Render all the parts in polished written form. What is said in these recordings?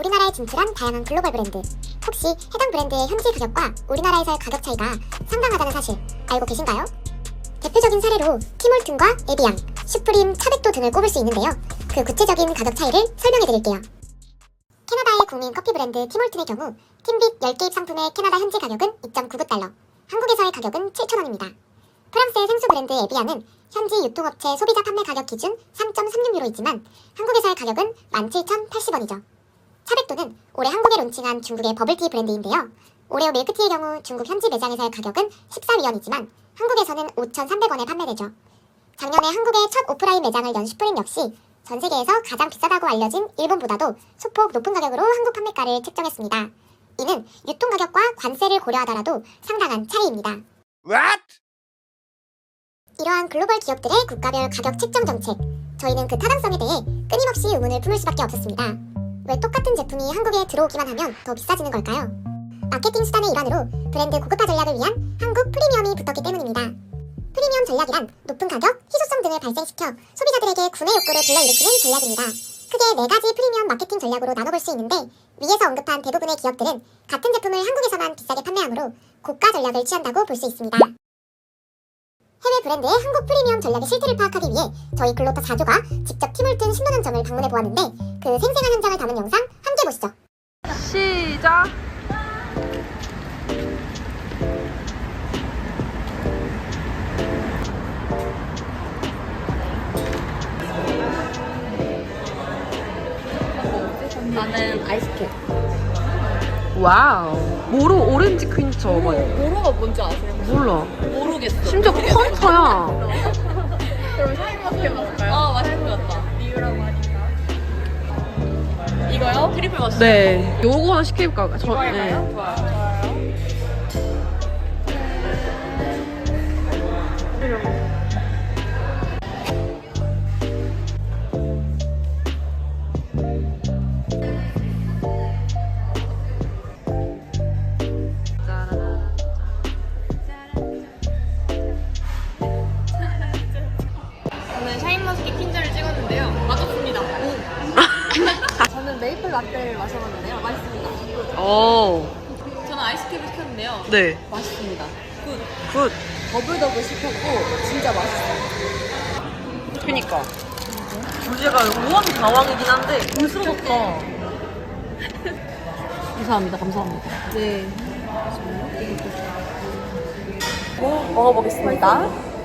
우리나라에 진출한 다양한 글로벌 브랜드. 혹시 해당 브랜드의 현지 가격과 우리나라에서의 가격 차이가 상당하다는 사실 알고 계신가요? 대표적인 사례로 티몰튼과 에비앙, 슈프림, 차백도 등을 꼽을 수 있는데요. 그 구체적인 가격 차이를 설명해드릴게요. 캐나다의 국민 커피 브랜드 티몰튼의 경우 팀빗 10개입 상품의 캐나다 현지 가격은 2.99달러, 한국에서의 가격은 7,000원입니다. 프랑스의 생수 브랜드 에비앙은 현지 유통업체 소비자 판매 가격 기준 3.36유로이지만 한국에서의 가격은 17,080원이죠. 차백도는 올해 한국에 론칭한 중국의 버블티 브랜드인데요. 오레오 밀크티의 경우 중국 현지 매장에서의 가격은 14위원이지만 한국에서는 5,300원에 판매되죠. 작년에 한국의 첫 오프라인 매장을 연 슈프림 역시 전 세계에서 가장 비싸다고 알려진 일본보다도 소폭 높은 가격으로 한국 판매가를 책정했습니다. 이는 유통가격과 관세를 고려하더라도 상당한 차이입니다. What? 이러한 글로벌 기업들의 국가별 가격 책정 정책, 저희는 그 타당성에 대해 끊임없이 의문을 품을 수밖에 없었습니다. 왜 똑같은 제품이 한국에 들어오기만 하면 더 비싸지는 걸까요? 마케팅 수단의 일환으로 브랜드 고급화 전략을 위한 한국 프리미엄이 붙었기 때문입니다. 프리미엄 전략이란 높은 가격, 희소성 등을 발생시켜 소비자들에게 구매 욕구를 불러일으키는 전략입니다. 크게 4가지 프리미엄 마케팅 전략으로 나눠볼 수 있는데 위에서 언급한 대부분의 기업들은 같은 제품을 한국에서만 비싸게 판매하므로 고가 전략을 취한다고 볼 수 있습니다. 해외 브랜드의 한국 프리미엄 전략의 실태를 파악하기 위해 저희 글로터 4조가 직접 티몰튼 신도년점을 방문해 보았는데 그 생생한 현장을 담은 영상 함께 보시죠. 시작! 나는 아이스캡. 와우. 모로 오렌지 퀸처. 모로가 뭔지 아세요? 몰라. 모르겠어. 심지어 카운터야. 그럼 샤인머스켓 먹을까요? 맛있을 것 같다. 이유라고 하니까. 이거요? 트리플 머스. 네. 요거 하나 시킬까? 이거 할까요? 네. 좋아요. 저는 샤인머스켓 퀸저를 찍었는데요. 맛없습니다. 저는 메이플 라떼를 마셔봤는데요. 맛있습니다. 오. 저는 아이스캡을 시켰는데요. 네. 맛있습니다. 굿. 굿. 더블더블 시켰고 진짜 맛있어요. 그니까. 주제가 우왕 가왕이긴 한데 불스럽다. 감사합니다. 감사합니다. 네. 먹어보겠습니다.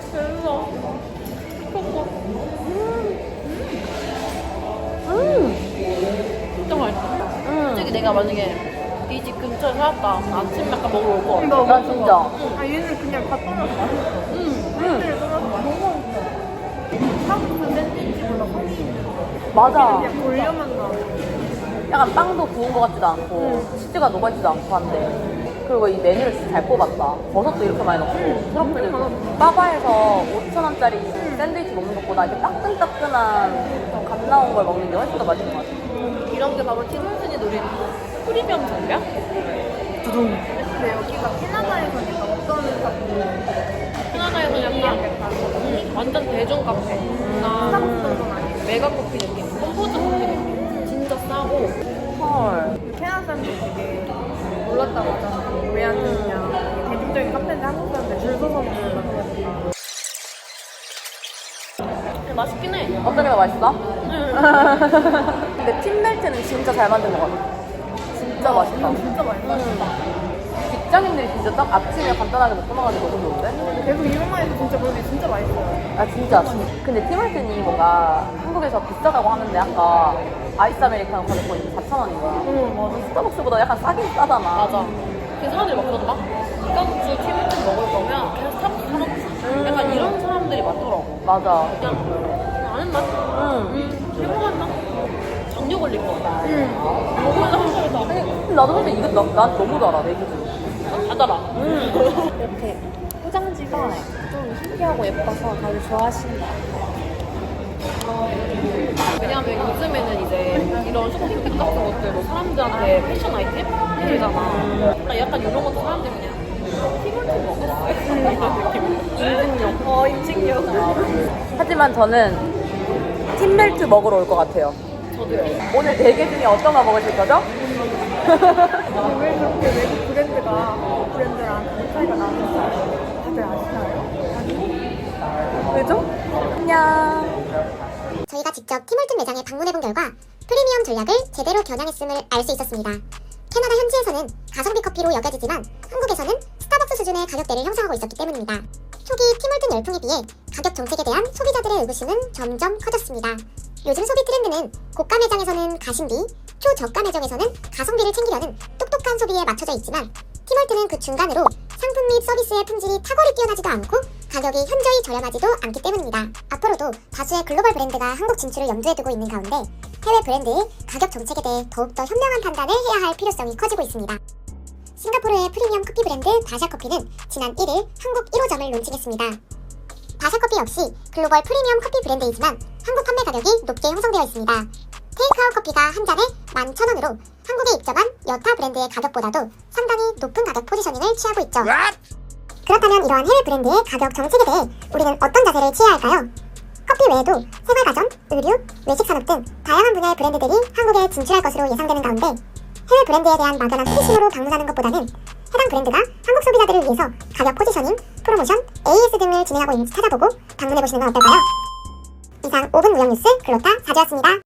진짜 맛있어. 솔직히 내가 만약에 이 집 근처에 살았다. 아침 약간 먹으러 올 거. 나 진짜. 아 얘는 그냥 다 떠나서 맛있어. 팬들을 떠나서 맛있어. 너무 맛있어. 한국 샌드위치보다 훨씬 맞아. 그냥 돌려만 나. 약간 빵도 구운 것 같지도 않고 치즈가 녹아있지도 않고 한데 그리고 이 메뉴를 진짜 잘 뽑았다. 버섯도 이렇게 많이 넣고 트러플도 빠바에서 5,000원짜리 샌드위치 먹는 것보다 이렇게 따끈따끈한 좀 갓 나온 걸 먹는 게 훨씬 더 맛있는 것 같아. 이런 게 바로 티몰튼이 노린 프리미엄 전략? 근데 여기가 캐나다에서니까 어떤 카페? 캐나다에서 약간 완전 대중 카페. 스타벅스 정도는 아니고 메가 커피 느낌, 컴포즈 커피 느낌. 진짜 싸고. 헐. 캐나다 사람들이 되게 놀랐다고 하잖아요. 왜 안 되느냐. 대중적인 카페인데 한국 사람들 줄 서서 먹는다고. 맛있긴 해. 어떤 게 더 맛있어? 근데 팀멜트는 진짜 잘 만든 것 같아. 진짜 맛있다. 진짜 맛있어. 직장인들이 진짜 딱 아침에 간단하게 먹고 나가는 게 너무 좋은데? 계속 이것만 해도 진짜 그런 게 진짜 맛있어요. 아 진짜. 근데 팀멜튼이 뭔가 한국에서 비싸다고 하는데 아까 아이스 아메리카노 가격 거의 4,000원인 거야. 맞아. 스타벅스보다 약간 싸긴 싸잖아. 맞아. 그 사람들이 막 그러더라. 이강주 티몰튼 먹을 거면 그냥 스타벅스 사 먹지. 약간 이런 사람들이 많더라고. 맞아. 그냥 아는 맛? 해먹은 맛? 당뇨 걸릴 것 같아. 근데 나도 사실 이거 난 너무 달아 내 기준. 다 달아. 이렇게 포장지가 좀 신기하고 예뻐서 다들 좋아하신다. 왜냐면 요즘에는 이제 이런 쇼핑백 같은 것들도 사람들한테 패션 아이템 되잖아. 약간 이런 것도 사람들이 그냥 티몰튼 먹었어. 인증용. 인증용. 하지만 저는 팀멜트 먹으러 올 것 같아요. 저도요. 오늘 4개 중에 어떤 거 먹으실 거죠? 왜 그렇게 외국 브랜드가 한국 브랜드랑 가격 차이가 나는지 다들 아시나요? 아니? 왜죠? 안녕. 저희가 직접 티몰튼 매장에 방문해본 결과 프리미엄 전략을 제대로 겨냥했음을 알 수 있었습니다. 캐나다 현지에서는 가성비 커피로 여겨지지만 한국에서는 스타벅스 수준의 가격대를 형성하고 있었기 때문입니다. 초기 티몰튼 열풍에 비해 가격 정책에 대한 소비자들의 의구심은 점점 커졌습니다. 요즘 소비 트렌드는 고가 매장에서는 가심비, 초저가 매장에서는 가성비를 챙기려는 똑똑한 소비에 맞춰져 있지만 티몰튼은 그 중간으로 상품 및 서비스의 품질이 탁월히 뛰어나지도 않고 가격이 현저히 저렴하지도 않기 때문입니다. 앞으로도 다수의 글로벌 브랜드가 한국 진출을 염두에 두고 있는 가운데 해외 브랜드의 가격 정책에 대해 더욱더 현명한 판단을 해야 할 필요성이 커지고 있습니다. 싱가포르의 프리미엄 커피 브랜드 다샤커피는 지난 1일 한국 1호점을 론칭했습니다. 다샤커피 역시 글로벌 프리미엄 커피 브랜드이지만 한국 판매 가격이 높게 형성되어 있습니다. 테이크아웃 커피가 한 잔에 11,000원으로 한국에 입점한 여타 브랜드의 가격보다도 상당히 높은 가격 포지셔닝을 취하고 있죠. 그렇다면 이러한 해외 브랜드의 가격 정책에 대해 우리는 어떤 자세를 취해야 할까요? 커피 외에도 생활가전, 의류, 외식산업 등 다양한 분야의 브랜드들이 한국에 진출할 것으로 예상되는 가운데 해외 브랜드에 대한 막연한 호기심으로 방문하는 것보다는 해당 브랜드가 한국 소비자들을 위해서 가격 포지셔닝, 프로모션, AS 등을 진행하고 있는지 찾아보고 방문해보시는 건 어떨까요? 이상 5분 무역 뉴스 글로타 4주였습니다.